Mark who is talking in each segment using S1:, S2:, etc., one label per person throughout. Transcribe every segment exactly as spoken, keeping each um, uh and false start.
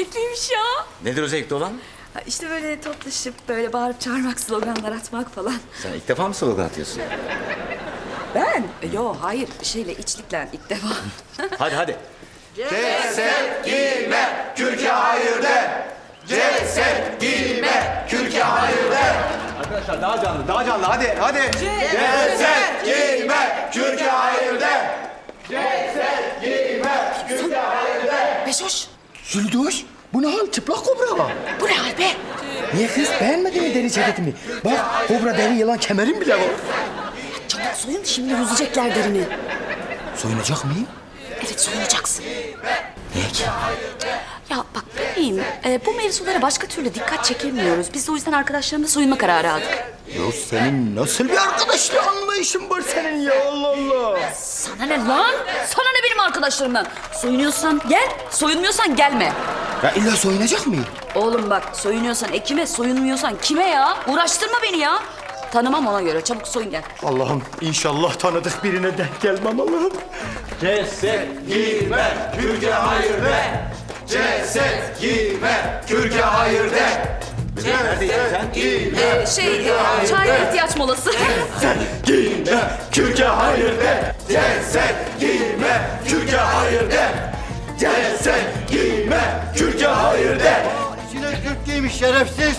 S1: zevkliymiş ya.
S2: Nedir o zevkli olan?
S1: Ha, İşte böyle toplaşıp böyle bağırıp çağırmak, sloganlar atmak falan.
S2: Sen ilk defa mı slogan atıyorsun?
S1: Ben? E, Yo hayır şeyle içlikle ilk defa.
S2: Hadi hadi.
S3: Ceset giyme, kürke hayır de. Ceset giyme, kürke hayır de.
S2: Arkadaşlar daha canlı, daha canlı. Hadi, hadi.
S3: Ceset giyme, kürke hayır de. Ceset giyme, kürke hayır de.
S1: Beşoş.
S4: Züldoş, bu ne hal? Çıplak kobra.
S1: Bu ne hal be?
S4: Niye kız? Beğenmedin mi deri ceketimi? Bak, kobra deri yılan kemerim bile var.
S1: Çabuk soyun şimdi yüzecekler derini.
S4: Soyunacak mıyım?
S1: Evet soyunacaksın.
S4: Niye ki?
S1: Ya bak bebeğim e, bu mevzulara başka türlü dikkat çekemiyoruz. Biz de o yüzden arkadaşlarımla soyunma kararı aldık.
S4: Ya senin nasıl bir arkadaşlık anlayışın var senin ya, Allah Allah.
S1: Sana ne lan? Sana ne benim arkadaşlarımdan? Soyunuyorsan gel, soyunmuyorsan gelme.
S4: Ya illa soyunacak mıyım?
S1: Oğlum bak soyunuyorsan ekime, soyunmuyorsan kime ya? Uğraştırma beni ya. Tanımam ona göre. Çabuk soyun gel.
S4: Allah'ım inşallah tanıdık birine denk gelmem Allah'ım.
S3: Ceset giyme, kürke hayır de. Ceset giyme, kürke hayır de. Ceset giyme,
S1: Ee, şey, e, çaya ihtiyaç molası.
S3: giyme, kürke hayır de. Ceset giyme, kürke hayır de. Ceset giyme, kürke hayır de.
S4: İçine kürk giymiş şerefsiz.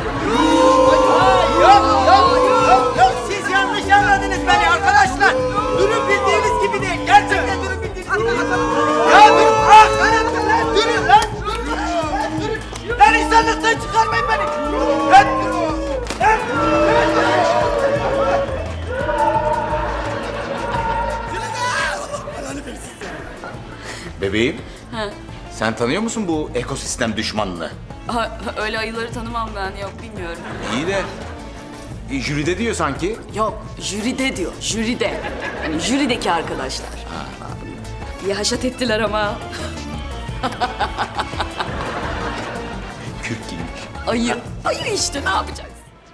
S5: Siz yanlış anladınız beni arkadaşlar. Durum bildiğiniz gibi değil. Gerçekten durum bildiğiniz gibi değil. Ya dur. Ah, lan, durun lan. Lan durun. Lan insanlıktan çıkarmayın beni. Lan durun. Lan.
S2: Bebeğim. Sen tanıyor musun bu ekosistem düşmanını?
S1: Ha, öyle ayıları tanımam ben. Yok bilmiyorum.
S2: İyi de e, jüride diyor sanki.
S1: Yok, jüride diyor, jüride. Yani jürideki arkadaşlar. İyi haşat ettiler ama.
S2: Kürk giymiş.
S1: Ayı, ayı işte ne yapacaksın?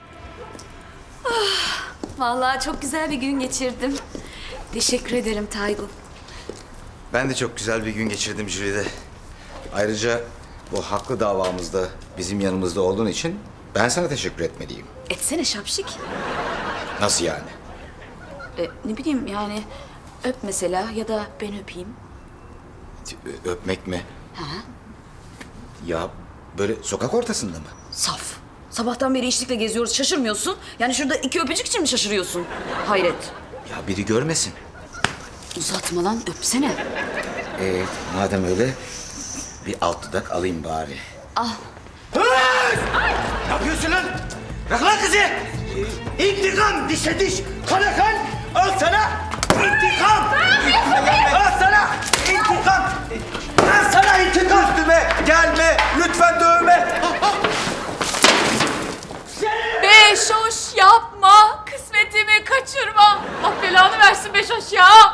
S1: Ah, vallahi çok güzel bir gün geçirdim. Teşekkür ederim Taygun.
S2: Ben de çok güzel bir gün geçirdim jüride. Ayrıca bu haklı davamızda bizim yanımızda olduğun için ben sana teşekkür etmeliyim.
S1: Etsene şapşik.
S2: Nasıl yani?
S1: E, ne bileyim yani öp mesela ya da ben öpeyim.
S2: Ö- Öpmek mi? Ya böyle sokak ortasında mı?
S1: Saf. Sabahtan beri içlikle geziyoruz şaşırmıyorsun. Yani şurada iki öpücük için mi şaşırıyorsun? Hayret.
S2: Ya biri görmesin.
S1: Uzatma lan öpsene.
S2: Ee, madem öyle bir alt dudak alayım bari.
S4: Ne yapıyorsun lan? Bırak lan kızı. İntikam dişe diş, kana kan. Al sana intikam. Al sana intikam. Al sana intikam.
S3: Üstüme gelme, lütfen dövme.
S6: Beşoş yapma, kısmetimi kaçırma. Allah belanı versin Beşoş ya.